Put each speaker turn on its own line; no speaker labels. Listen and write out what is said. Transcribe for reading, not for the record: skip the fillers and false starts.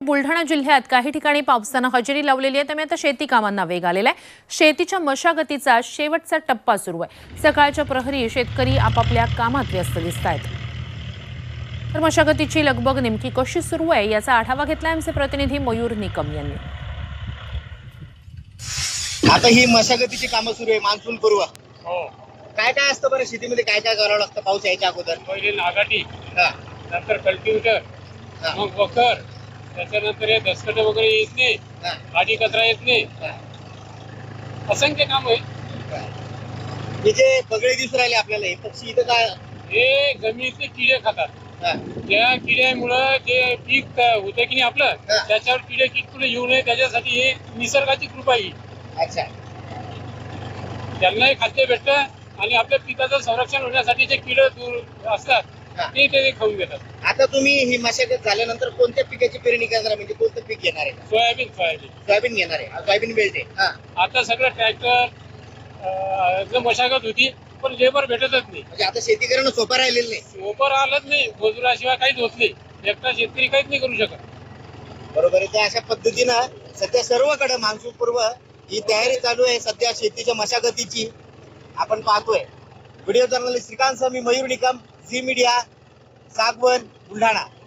बुलढाणा जिल्ह्यात काही ठिकाणी पावसानं हजेरी लावलेली आहे, त्यामुळे आता शेती कामांना वेग आलेला आहे। शेतीच्या मशागतीचा शेवटचा टप्पा सुरू आहे। सकाळच्या प्रहरी शेतकरी आपापल्या कामात व्यस्त दिसतायत। तर मशागतीची लगबग नेमकी कशी सुरू आहे याचा आढावा घेतला आमचे प्रतिनिधी मयूर निकम यांनी।
आता ही मशागतीची कामं सुरू आहे मान्सून पूर्व।
हो,
काय काय असतं बरं शेतीमध्ये, काय काय करावं लागतं पाऊस यायच्या अगोदर?
पहिले नागाटी,
हा,
नंतर कल्टिवेटर,
हा,
मग वखर, त्याच्यानंतर हे दसकट वगैरे येत नाही,
हा,
गाडी कचरा येत नाही,
हा,
असंख्य काम आहे।
हा. हे जे बगळे दिसून राहिले आपल्याला, हे पक्षी इथं काय?
हे जमिनीतले किडे खातात।
हा,
त्या किड्यामुळं जे पीक होतं की नाही आपलं,
हा.
त्याच्यावर किडे किटकुले येऊ नये त्याच्यासाठी हे निसर्गाची कृपा आहे।
अच्छा,
त्यांनाही खाद्य भेटतं आणि आपल्या पिकाचं संरक्षण होण्यासाठी जे किडे दूर असतात
हा.
ते खाऊन घेतात।
आता तुम्ही ही मशागत झाल्यानंतर कोणत्या पिकाची पेरणी करणार, म्हणजे कोणतं पीक घेणार आहे?
सोयाबीन
सोयाबीन घेणार आहे, सोयाबीन बेल्ट आहे। हा,
आता सगळं ट्रॅक्टर मशागत होती, पण लेबर भेटतच नाही।
म्हणजे आता शेती करणं सोपं राहिलेलं नाही।
सोपर आलंच नाही, मजुराशिवाय काहीच होत नाही। एकटा शेतकरी काहीच नाही करू शकत।
बरोबर आहे। तर अशा पद्धतीनं सध्या सर्वकडे मान्सून पूर्व ही तयारी चालू आहे सध्या शेतीच्या मशागतीची। आपण पाहतोय। व्हिडिओ जर्नलिस्ट श्रीकांत मी मयूर निकम, झी मीडिया, सागवन, बुलढाणा।